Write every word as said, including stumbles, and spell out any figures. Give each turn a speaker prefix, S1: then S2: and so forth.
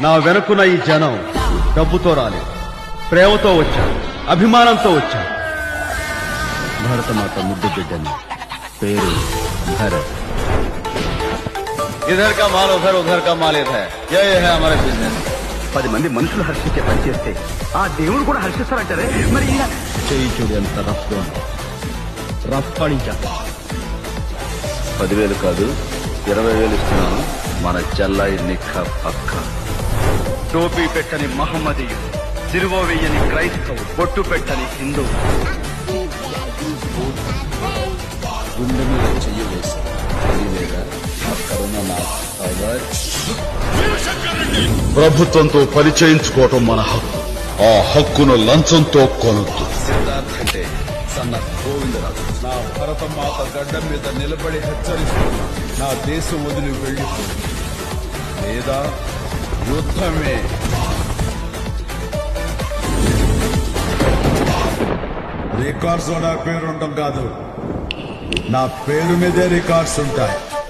S1: నా వెనుకున్న ఈ జనం డబ్బుతో రాలేదు, ప్రేమతో వచ్చాను, అభిమానంతో వచ్చాను. భరతమాత ముద్దు బిడ్డని, పేరు భరత్.
S2: ఇధర్ కా మాల్ ఉధర్, ఉధర్ కా మాల్ ఇధర్. యే యే హై హమారా బిజినెస్.
S3: పది మంది మనుషులు హర్షించే పని చేస్తే ఆ దేవుడు కూడా హర్షిస్తారంటారే. మరి ఇలా
S1: చెయ్యి చూడు ఎంత రఫ్ రఫ్ పడించా.
S2: పదివేలు కాదు ఇరవై వేలు ఇస్తున్నాను. మన చెల్లాయి నిక్క పక్క.
S3: టోపీ పెట్టని మహమ్మదీయుడు, సిలువ వెయ్యని క్రైస్తవు, బొట్టు పెట్టని హిందూ.
S1: గుండె మీద చెయ్యి వేసి అక్కడున్న నా పవర్.
S4: ప్రభుత్వంతో పరిచయించుకోవటం మన హక్కు. ఆ హక్కును లంచంతో కొనొద్దు.
S1: సిద్ధార్థ్ అంటే సన్న గోవిందరాజు. నా భరతమాత గడ్డ మీద నిలబడి హెచ్చరిస్తున్నా, నా దేశం వదిలి వెళ్ళిపోయి లేదా యుద్ధమే.
S5: రికార్డ్స్ లో నా పేరు ఉండటం కాదు, నా పేరు మీదే రికార్డ్స్ ఉంటాయి.